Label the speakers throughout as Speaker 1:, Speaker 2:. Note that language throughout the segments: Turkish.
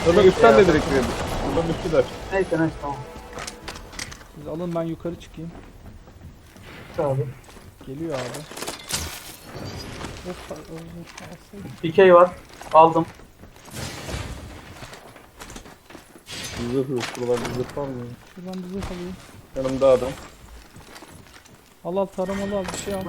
Speaker 1: Burada üstten de direkt girelim. Buradan üstüler.
Speaker 2: Neyse tamam.
Speaker 3: Siz alın ben yukarı çıkayım.
Speaker 2: Abi.
Speaker 3: Geliyor abi.
Speaker 2: Dikey var. Aldım.
Speaker 1: Zırh yok. Buralarda zırh var mı?
Speaker 3: Şuradan bir zırh alayım.
Speaker 1: Yanımda adam.
Speaker 3: Al taramalı al bir şey al.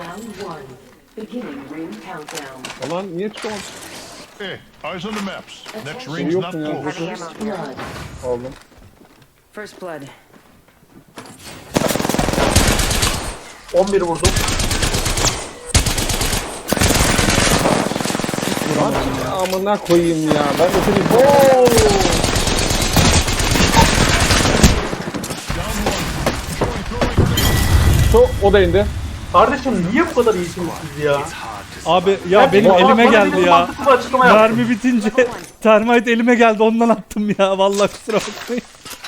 Speaker 1: Aman niye çıkamadım?
Speaker 4: Hey, eyes on the maps. Next
Speaker 1: Şey
Speaker 4: ring's
Speaker 1: yok
Speaker 4: not
Speaker 1: mu ya?
Speaker 4: close.
Speaker 1: Aldım.
Speaker 5: First blood.
Speaker 2: 11 vurdum.
Speaker 1: Lan amına koyayım ya. Ben de seni...
Speaker 2: Oo!
Speaker 1: O da indi.
Speaker 2: Kardeşim niye bu kadar iyisiniz siz ya?
Speaker 3: Abi ya benim
Speaker 2: Bana-
Speaker 3: elime
Speaker 2: bana
Speaker 3: geldi
Speaker 2: bir
Speaker 3: ya.
Speaker 2: mantıklı bir açıklama yap.
Speaker 3: Mermi bitince termite elime geldi ondan attım ya. Vallahi kusura bakmayın.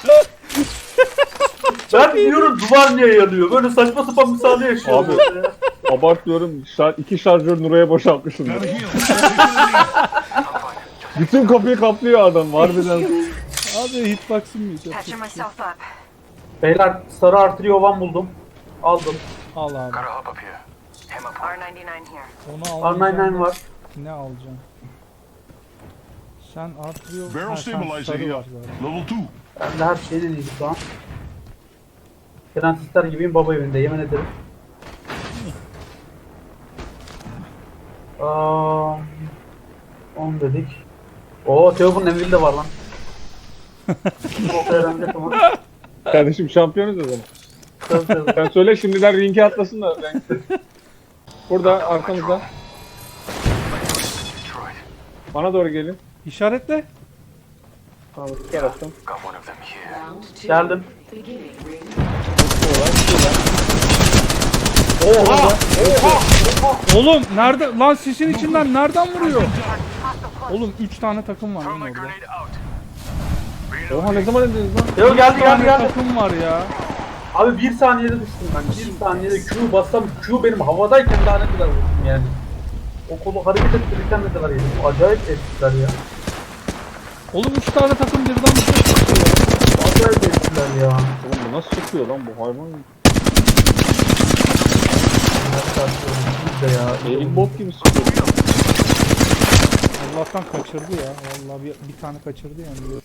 Speaker 2: Ben diyorum duvar niye yanıyor? Böyle saçma sapan bir sahne yaşıyorum.
Speaker 1: Abi. Abartmıyorum. 2 şarjör Nuray'a boşaltmışım.
Speaker 4: Gotta
Speaker 1: Ya.
Speaker 4: heal.
Speaker 1: Bütün kapıyı kaplıyor adam. Harbiden.
Speaker 3: Abi hitbox'ım yiyecek.
Speaker 5: Patching myself up.
Speaker 2: Beyler sarı arteri ovan buldum. Aldım.
Speaker 3: Al abi.
Speaker 5: R99 here.
Speaker 3: Onu alacağım.
Speaker 2: R99 var.
Speaker 3: Ne alacağım? Sen artırıyor.
Speaker 4: Barrel
Speaker 3: Ha, sen
Speaker 4: stabilizer
Speaker 3: sarı
Speaker 4: here.
Speaker 3: var zaten.
Speaker 4: Level 2.
Speaker 2: Ben de her şeyin en iyisi şu an. Prensesler gibiyim baba evinde yemin ederim. 10 dedik. Oo Teo'nun Envil de var lan. O öğrenecek ama.
Speaker 1: Kardeşim şampiyonuz o zaman.
Speaker 2: Tabii, tabii.
Speaker 1: Sen söyle şimdiden ringe atlasın da. Ben... Burada arkamızda. Bana doğru gelin.
Speaker 3: İşaretle.
Speaker 1: Tamam, bu taraftan.
Speaker 2: Geldim.
Speaker 1: Oha!
Speaker 3: Oğlum nerede? Lan sisin içinden nereden vuruyor? Oğlum 3 tane takım var lan orada.
Speaker 1: Oha ne zaman indiniz lan?
Speaker 2: Teo geldi
Speaker 3: Bir tane
Speaker 2: geldi.
Speaker 3: takım var ya.
Speaker 2: Abi bir saniyede düştüm ben. Bir saniyede Q bassam Q benim havadayken daha ne kadar vurdum yani. O kolu hareket ettirirken ne kadar yedim. Acayip ettiler ya.
Speaker 3: Oğlum 3 tane takım birden bir şey çıkıyor.
Speaker 2: Acayip ettiler ya.
Speaker 1: Oğlum bu nasıl çıkıyor lan bu hayvan?
Speaker 2: Biz de ya.
Speaker 1: Aimbot gibi çıkıyor.
Speaker 3: Allah'tan kaçırdı ya. Vallahi bir tane kaçırdı yani.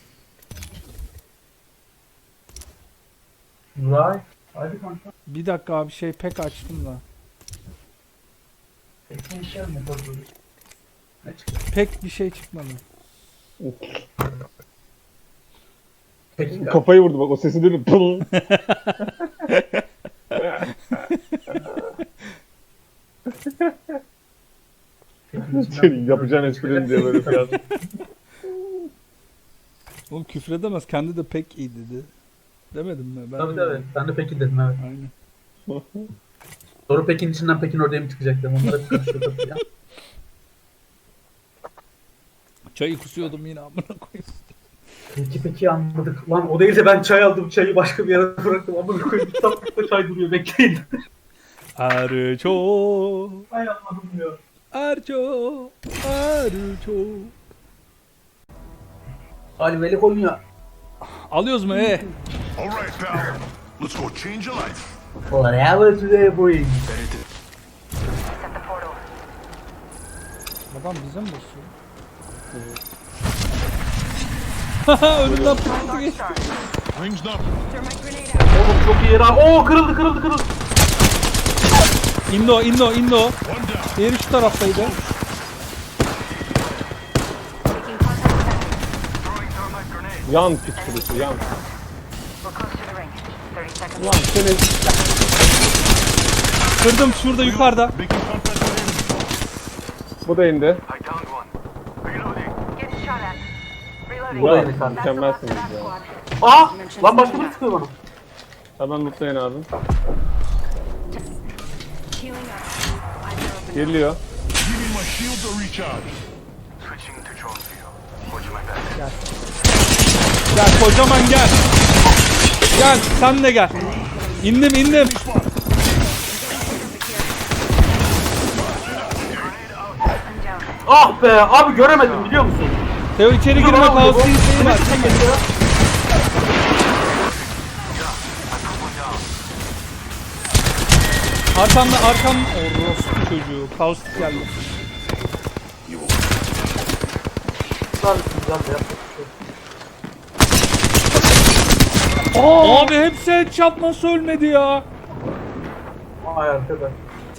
Speaker 2: Nuray. Hadi kanka.
Speaker 3: Bir dakika abi şey pek açtım da.
Speaker 2: Ekmeğişler mi böyle? Ne çıktı?
Speaker 3: Pek bir şey çıkmadı.
Speaker 2: Peki.
Speaker 1: Kafayı vurdu bak o sesi duydum. Pıl. Senin yapacağın esprini diye böyle biraz.
Speaker 3: Oğlum küfredemez. Kendi de pek iyi dedi. Demedim mi? Ben
Speaker 2: Tabii
Speaker 3: demedim.
Speaker 2: tabii. Ben de Pekin dedim evet.
Speaker 3: Aynen.
Speaker 2: Doğru Pekin içinden Pekin oraya mı çıkacaktım? Onlara bir karışıyor tabii ya.
Speaker 3: Çayı kusuyordum yine amına koyayım.
Speaker 2: Peki anladık. Lan o değil de ben çay aldım. Çayı başka bir yere bıraktım. Amına koyayım. Kitaplıkta çay duruyor. Bekleyin.
Speaker 3: Erço.
Speaker 2: Ay anladım ya.
Speaker 3: Erço. Erço.
Speaker 2: Ali Velik oynuyor.
Speaker 3: Alıyoruz mu
Speaker 4: All right, pal. Let's go change your life.
Speaker 2: Whatever today brings.
Speaker 5: Set the portal.
Speaker 3: Adam bize mi basıyor? Haha önümden pıtı geçti.
Speaker 4: Ring's not.
Speaker 5: Thermite grenade out.
Speaker 2: Oğlum çok iyi ya. Oo kırıldı.
Speaker 3: İndi o.
Speaker 4: One down.
Speaker 3: Diğeri şu taraftaydı.
Speaker 5: Taking contact with
Speaker 1: Yan pis kurusu yan.
Speaker 5: We're close to the ring. 30 seconds.
Speaker 1: Lan seni
Speaker 3: Kırdım şurada yukarıda.
Speaker 4: Making contact with enemy.
Speaker 1: bu da indi.
Speaker 5: Getting shot at. Reloading.
Speaker 1: Bravo,
Speaker 2: indi kanka.
Speaker 5: That's the last of
Speaker 1: mükemmelsiniz
Speaker 5: that
Speaker 1: ya.
Speaker 5: squad.
Speaker 2: Aa! Lan başka biri sıkıyor bana.
Speaker 1: Hemen lootlayın abi.
Speaker 5: Healing up. Eyes are open.
Speaker 1: Giriliyor.
Speaker 4: Give me my shield to recharge.
Speaker 3: Gel kocaman gel. Gel sen de gel. İndim.
Speaker 2: Ah be abi göremedim biliyor musun?
Speaker 3: Teo içeri girme, kaos isteği var. Arkam orospu çocuğu. Kaos geldi. Abi hepsi headshot, nasıl ölmedi ya?
Speaker 2: Ay arkadaş.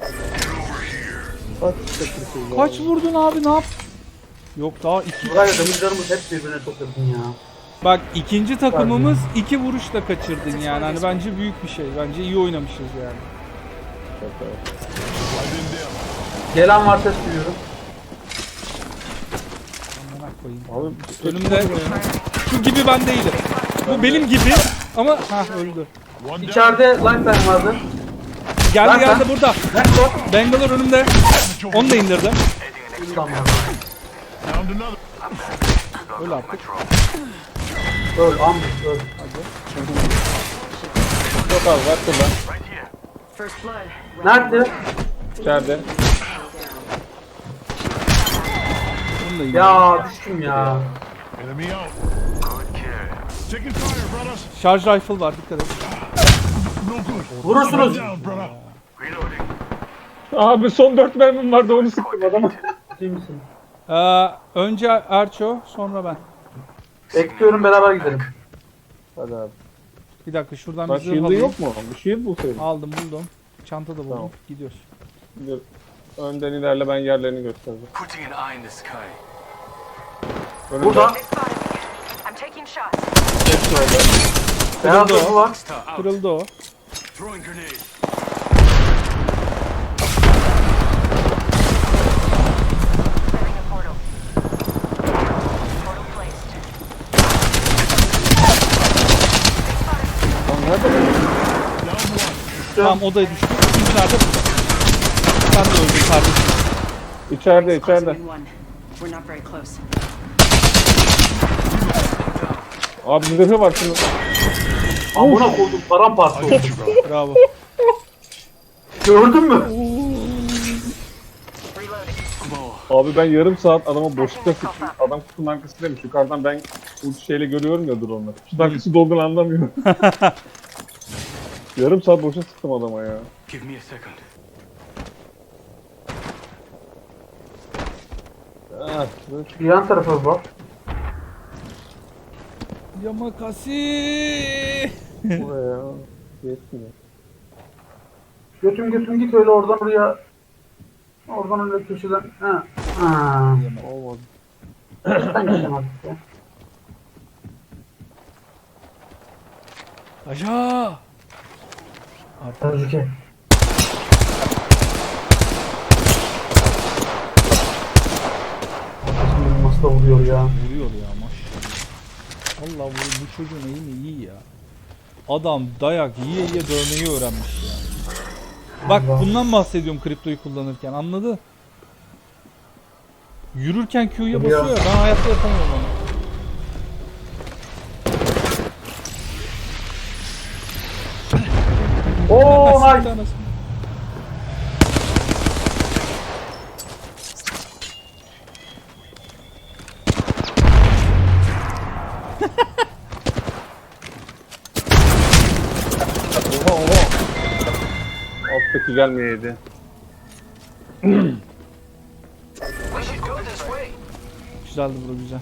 Speaker 3: Kaç vurdun abi, ne yap? Yok daha iki.
Speaker 2: Burayla demirlerimiz hep birbirine çok yakın ya.
Speaker 3: Bak ikinci takımımız 2 vuruşla kaçırdın yani. Hani bence büyük bir şey. Bence iyi oynamışız yani.
Speaker 2: Gelen var, ses duyuyorum.
Speaker 3: Amına koyayım.
Speaker 1: Abi
Speaker 3: Önümde şu gibi ben değilim. Bu benim gibi ama öldü.
Speaker 4: One down.
Speaker 2: İçeride lifeline vardı.
Speaker 3: Geldi burada.
Speaker 2: Nekro.
Speaker 3: Bangalore önümde. Onu da indirdim.
Speaker 2: Tamam.
Speaker 4: Downed another.
Speaker 3: Öyle artık.
Speaker 2: Öl, ambush, öl.
Speaker 1: çok az var şurada.
Speaker 5: First blood.
Speaker 2: Nerede?
Speaker 1: İçeride.
Speaker 3: Onu da indirdim.
Speaker 2: Ya düştüm ya.
Speaker 4: Enemy out. Taking fire, brothers.
Speaker 3: Şarj rifle var, dikkat et.
Speaker 4: No good.
Speaker 2: Vurursunuz.
Speaker 4: Down, brother.
Speaker 1: Abi son 4 mermim vardı, onu sıktım adama.
Speaker 2: Ciddi misin?
Speaker 3: Önce Erço, sonra ben.
Speaker 2: Bekliyorum, beraber gidelim.
Speaker 1: Hadi abi.
Speaker 3: Bir dakika şuradan
Speaker 1: Bak
Speaker 3: bir zırh
Speaker 1: shield'ı
Speaker 3: alayım.
Speaker 1: yok mu? Bir shield bulsaydın.
Speaker 3: Aldım, buldum. Çantada buldum.
Speaker 1: Tamam.
Speaker 3: Gidiyoruz.
Speaker 1: Dur. Önden ilerle, ben yerlerini göstereceğim.
Speaker 6: Putting an eye in the sky.
Speaker 1: Önümde.
Speaker 2: Burada.
Speaker 5: They spotted me. I'm taking shots.
Speaker 2: Beyaz
Speaker 3: Kırıldı
Speaker 2: kapı
Speaker 3: o.
Speaker 2: var.
Speaker 6: Star out.
Speaker 3: Kırıldı o.
Speaker 6: Throwing grenade.
Speaker 5: Clearing a portal. Portal placed.
Speaker 1: Lan nerede bu?
Speaker 3: Tamam, odaya düştü. İkinci nerede? Burada. Sen de öldün kardeşim.
Speaker 1: İçeride.
Speaker 5: Closing in one. We're not very close.
Speaker 1: Abi zırhı var şunun.
Speaker 2: Amına koydum, paramparça oldu.
Speaker 3: Bravo.
Speaker 2: Gördün mü?
Speaker 5: Reloading.
Speaker 1: Abi ben yarım saat adama boşlukta sıktım. Adam kutunun arkasındaymış. Yukarıdan ben bu şeyle görüyorum ya drone'la. Kutunun arkası dolduğunu anlamıyorum. Yarım saat boşa sıktım adama ya.
Speaker 6: Give me a second.
Speaker 1: Ah,
Speaker 2: Bir yan tarafa bak.
Speaker 3: Yamakasi.
Speaker 1: buraya. Yetmiyor.
Speaker 2: Götüm git öyle oradan oraya. Oradan öyle köşeden. Ha. Ha.
Speaker 1: Olmadı.
Speaker 2: Sen gitsin artık ya.
Speaker 3: Aşağı.
Speaker 2: Tehlike. Şimdi nasıl da vuruyor ya.
Speaker 3: Vuruyor ya maşallah. Allah bu çocuğun eğimi iyi ya. Adam dayak yiye dövmeyi öğrenmiş ya. Bak bundan bahsediyorum kriptoyu kullanırken, anladı? Yürürken Q'ya basıyor ya, ben hayatta yapamıyorum onu.
Speaker 2: Oo
Speaker 3: Siktir
Speaker 2: nice.
Speaker 3: anasını.
Speaker 1: Oha. Alttaki gelmeyeydi.
Speaker 6: We should go this way.
Speaker 3: Güzeldi bro, güzel.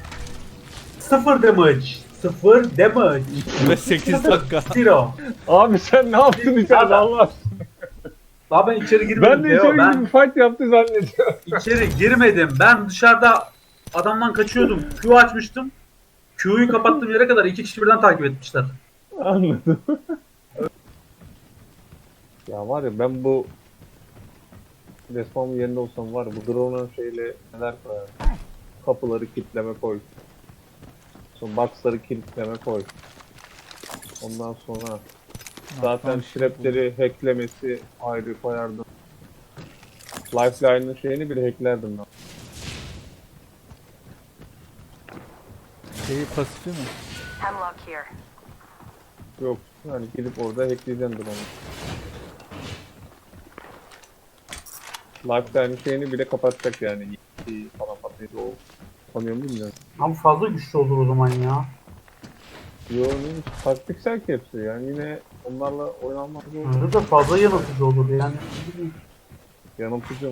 Speaker 2: 0 damage. 0 damage.
Speaker 3: Ve 8 dakika.
Speaker 2: 0.
Speaker 1: Abi sen ne yaptın içeride Allah aşkına?
Speaker 2: Daha ben içeri girmedim.
Speaker 1: Ben de
Speaker 2: Teo.
Speaker 1: içeri
Speaker 2: Ben
Speaker 1: girdim, fight yaptı zannediyorum.
Speaker 2: içeri girmedim. Ben dışarıda adamdan kaçıyordum. Q açmıştım. Q'yu kapattığım yere kadar 2 kişi birden takip etmişler.
Speaker 1: Anladım. Ya var ya, ben bu resmamın yerinde olsam var ya, bu drone'un şeyle neler koyarım. Kapıları kilitleme koy. Sonra box'ları kilitleme koy. Ondan sonra zaten trapleri hacklemesi ayrı koyardım. Lifeline'ın şeyini bile hacklerdim ben.
Speaker 3: Şeyi pasifi mi?
Speaker 5: Hemlock here.
Speaker 1: Yok yani gidip orada hackleyeceğim drone'u. Lifeline'ın şeyini bile kapatacak yani. Falan patlayıcı o Tanıyor mu bilmiyorum.
Speaker 2: Abi fazla güçlü olur o zaman ya.
Speaker 1: Yo neymiş? Taktiksel ki hepsi yani yine onlarla oynanmaz zor.
Speaker 2: Öyle de fazla yanıltıcı olur yani.
Speaker 1: Yanıltıcı mı?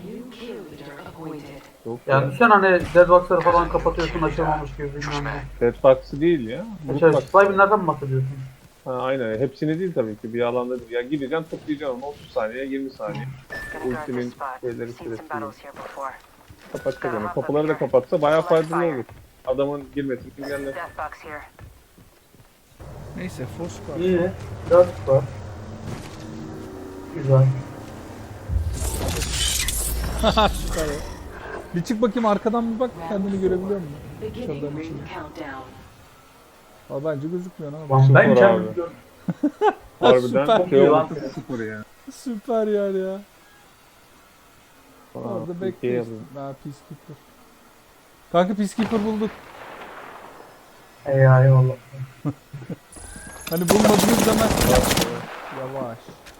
Speaker 1: Yok
Speaker 2: Yani
Speaker 1: ya.
Speaker 2: düşen hani deadbox'ları falan kapatıyorsun açılmamış gibi bilmem ne.
Speaker 1: Deadbox'ı değil ya.
Speaker 2: Şey,
Speaker 1: Mutlak.
Speaker 2: Slime'lerden mi bahsediyorsun?
Speaker 1: Ha, aynen. Hepsini değil tabii ki. Bir alanda değil. Ya gideceksin toplayacaksın onu 30 saniye 20 saniye.
Speaker 5: Gonna guard
Speaker 1: Ultimin
Speaker 5: this spot.
Speaker 1: şeyleri
Speaker 5: Seen some
Speaker 1: süresi.
Speaker 5: battles here before.
Speaker 1: Kapatacak onu. Kapıları da kapatsa bayağı faydalı olur. Adamın girmesini engeller.
Speaker 5: Death box here.
Speaker 3: Neyse force var.
Speaker 2: İyi. 4 var. Güzel.
Speaker 3: Süper ya. Bir çık bakayım arkadan bir bak kendini görebiliyor musun?
Speaker 5: Beginning
Speaker 3: Şuradan
Speaker 5: ring
Speaker 3: içine.
Speaker 5: countdown.
Speaker 3: Aa, bence gözükmüyor ama.
Speaker 2: Lan ben
Speaker 1: Sıfır
Speaker 2: kendim
Speaker 1: abi.
Speaker 2: gördüm.
Speaker 1: Harbiden
Speaker 3: Süper.
Speaker 1: şey
Speaker 2: İyi
Speaker 1: oldu
Speaker 2: lan.
Speaker 1: sıfır ya.
Speaker 3: Süper yer ya.
Speaker 1: Aa,
Speaker 3: Orada
Speaker 1: ikiye
Speaker 3: bekliyoruz.
Speaker 1: yazdım.
Speaker 3: Ha Peacekeeper. Kanka Peacekeeper bulduk.
Speaker 2: Eyvallah.
Speaker 3: Hani bulmadınız demez. Yavaş.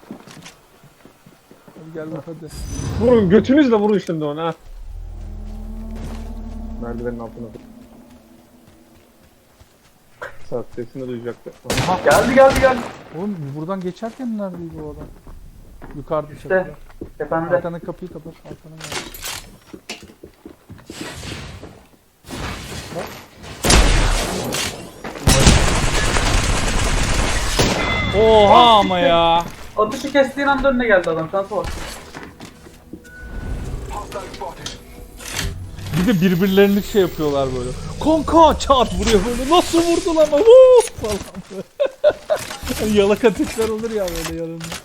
Speaker 3: Hadi gel bak hadi.
Speaker 1: Vurun götünüzle vurun şimdi ona. Merdivenin altına. Saat sesini duyacaktı.
Speaker 2: Geldi.
Speaker 3: Oğlum buradan geçerken neredeydi o adam? Yukarıda
Speaker 2: İşte.
Speaker 3: çatıda.
Speaker 2: Tepemde.
Speaker 3: Arkana kapıyı kapat. Arkana gel. Oha ama ya.
Speaker 2: Atışı kestiğin anda önüne geldi adam. Şansa bak.
Speaker 3: Bir de birbirlerini şey yapıyorlar böyle. Kanka çat vuruyor böyle. Nasıl vurdun ama? Vuuu falan böyle. Yalaka tipler olur ya böyle yanında.